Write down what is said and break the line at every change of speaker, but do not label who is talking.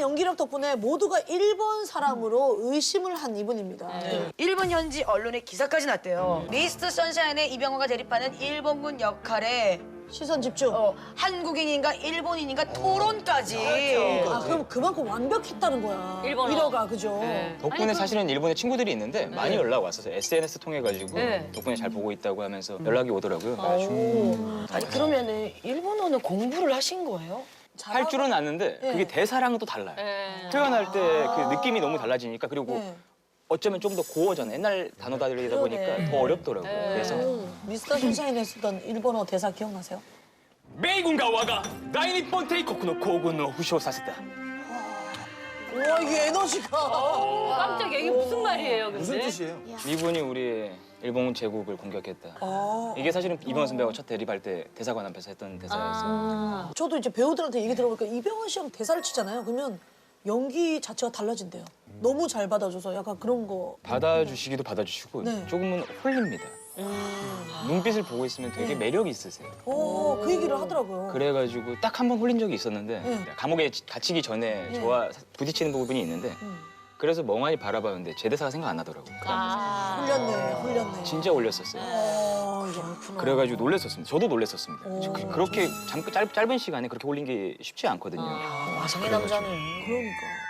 연기력 덕분에 모두가 일본 사람으로 의심을 한 이분입니다.
일본 현지 언론에 기사까지 났대요. 미스터 선샤인의 이병헌과 대립하는 일본군 역할에
시선 집중.
한국인인가 일본인인가 토론까지.
아, 그럼 그만큼 완벽했다는 거야.
일본어.
위로가, 그죠?
덕분에 사실은 일본에 친구들이 있는데 많이 연락 왔었어요. SNS 통해가지고
네.
덕분에 잘 보고 있다고 하면서 연락이 오더라고요.
아니 그러면은 일본어는 공부를 하신 거예요?
할 줄은 아는데 그게 대사랑은 또 달라요. 표현할 때 그 느낌이 너무 달라지니까 그리고 어쩌면 좀 더 고어전 옛날 단어들이다 보니까 더 어렵더라고요. 그래서
미스터 선샤인에 쓰던 일본어 대사 기억나세요?
米軍が我が大日本帝国の皇軍を負傷させた.
우와, 이게 에너지가.
깜짝이야. 이게 무슨 말이에요, 근데?
무슨 뜻이에요?
미군이 우리 일본 제국을 공격했다. 이게 사실은 이병헌 선배하고 첫 대립할 때 대사관 앞에서 했던 대사였어요.
저도 이제 배우들한테 얘기 들어보니까 이병헌 씨랑 대사를 치잖아요. 그러면 연기 자체가 달라진대요. 너무 잘 받아줘서 약간 그런 거.
받아주시기도 받아주시고
네.
조금은 홀립니다. 눈빛을 보고 있으면 되게 매력이 있으세요.
그 얘기를 하더라고요.
그래가지고 딱 한 번 홀린 적이 있었는데 감옥에 갇히기 전에 저와 부딪히는 부분이 있는데 그래서 멍하니 바라봤는데 제 대사가 생각 안 나더라고요.
홀렸네.
진짜 홀렸었어요. 그래가지고 놀랬었습니다. 저도 놀랬었습니다. 그렇게 짧은 시간에 그렇게 홀린 게 쉽지 않거든요.
와성의 남자는.
그러니까.